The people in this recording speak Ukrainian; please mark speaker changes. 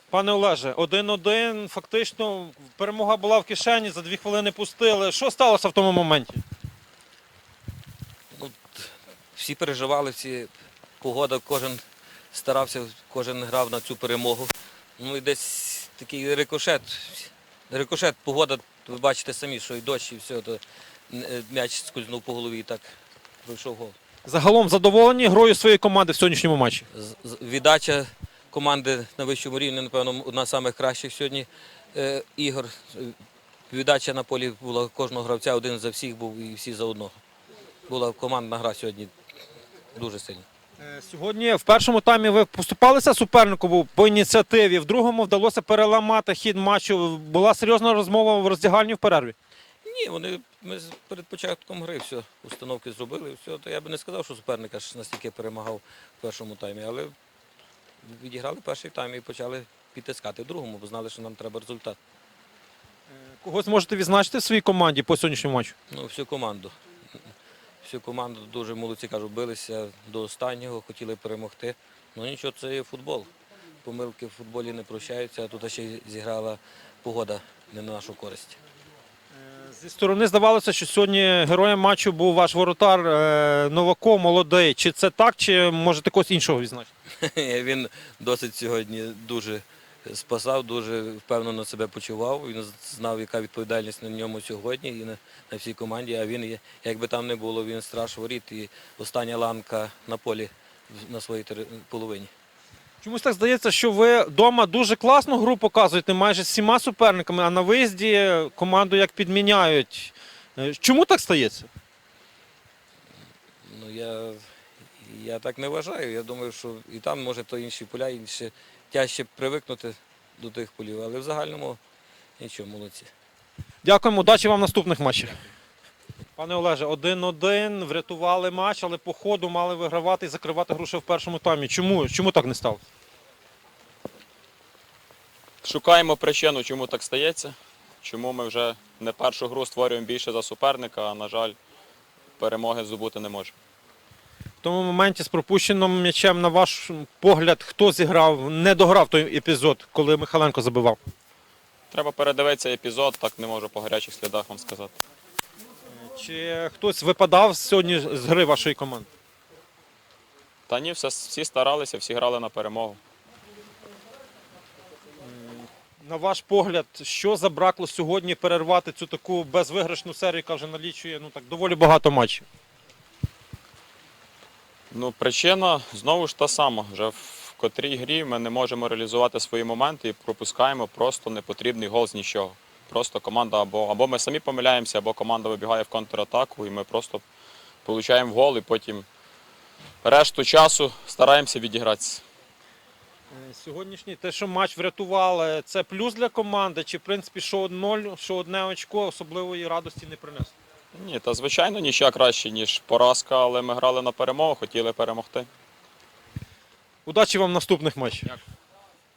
Speaker 1: Пане Олеже, 1-1, фактично перемога була в кишені, за 2 хвилини пустили. Що сталося в тому моменті?
Speaker 2: Ну, всі переживали, погода, кожен старався, кожен грав на цю перемогу. Ну і десь такий рикошет. Рикошет, погода, ви бачите самі, що і дощ, і все, то м'яч скользнув по голові і так пройшов гол.
Speaker 1: Загалом задоволені грою своєї команди в сьогоднішньому матчі?
Speaker 2: Віддача команди на вищому рівні, напевно, одна з найкращих сьогодні ігор. Віддача на полі була кожного гравця, один за всіх був і всі за одного. Була командна гра сьогодні дуже сильна.
Speaker 1: Сьогодні в першому таймі ви поступалися супернику по ініціативі, в другому вдалося переламати хід матчу. Була серйозна розмова в роздягальні в перерві?
Speaker 2: Ні, ми перед початком гри все, установки зробили, все. То я би не сказав, що суперник аж настільки перемагав в першому таймі, але відіграли перший тайм і почали підтискати в другому, бо знали, що нам треба результат.
Speaker 1: Когось можете відзначити в своїй команді по сьогоднішньому матчу?
Speaker 2: Ну, всю команду. Всю команду дуже молодці, кажу, билися до останнього, хотіли перемогти. Ну нічого, це є футбол. Помилки в футболі не прощаються, а тут ще й зіграла погода не на нашу користь.
Speaker 1: Зі сторони здавалося, що сьогодні героєм матчу був ваш воротар Новако, молодий. Чи це так, чи можете когось іншого відзначити?
Speaker 2: Він досить сьогодні дуже спасав, дуже впевнено себе почував. Він знав, яка відповідальність на ньому сьогодні і на всій команді. А він, як би там не було, він страж воріт і остання ланка на полі на своїй половині.
Speaker 1: Чомусь так здається, що ви вдома дуже класну гру показуєте майже з всіма суперниками, а на виїзді команду як підміняють. Чому так стається?
Speaker 2: Ну, я так не вважаю. Я думаю, що і там, може, то інші поля, інше тяжче привикнути до тих полів, але в загальному нічого, молодці.
Speaker 1: Дякуємо, удачі вам в наступних матчах. Пане Олеже, 1-1, врятували матч, але по ходу мали вигравати і закривати гру ще в першому таймі. Чому так не сталося?
Speaker 3: Шукаємо причину, чому так стається, чому ми вже не першу гру створюємо більше за суперника, а, на жаль, перемоги здобути не можемо.
Speaker 1: В тому моменті з пропущеним м'ячем, на ваш погляд, хто зіграв, не дограв той епізод, коли Михайленко забивав?
Speaker 3: Треба передивитися епізод, так не можу по гарячих слідах вам сказати.
Speaker 1: Чи хтось випадав сьогодні з гри вашої команди?
Speaker 3: Та ні, всі старалися, всі грали на перемогу.
Speaker 1: На ваш погляд, що забракло сьогодні перервати цю таку безвиграшну серію, яка вже налічує доволі багато матчів?
Speaker 3: Ну, причина знову ж та сама. Вже в котрій грі ми не можемо реалізувати свої моменти і пропускаємо просто непотрібний гол з нічого. Просто команда або ми самі помиляємося, або команда вибігає в контратаку, і ми просто отримуємо гол, і потім решту часу стараємося відігратися.
Speaker 1: Сьогоднішній, те, що матч врятували, це плюс для команди, чи в принципі що 0, що одне очко особливої радості не принесло?
Speaker 3: Ні, та звичайно нічия краще, ніж поразка, але ми грали на перемогу, хотіли перемогти.
Speaker 1: Удачі вам в наступних матчах.
Speaker 3: Дякую.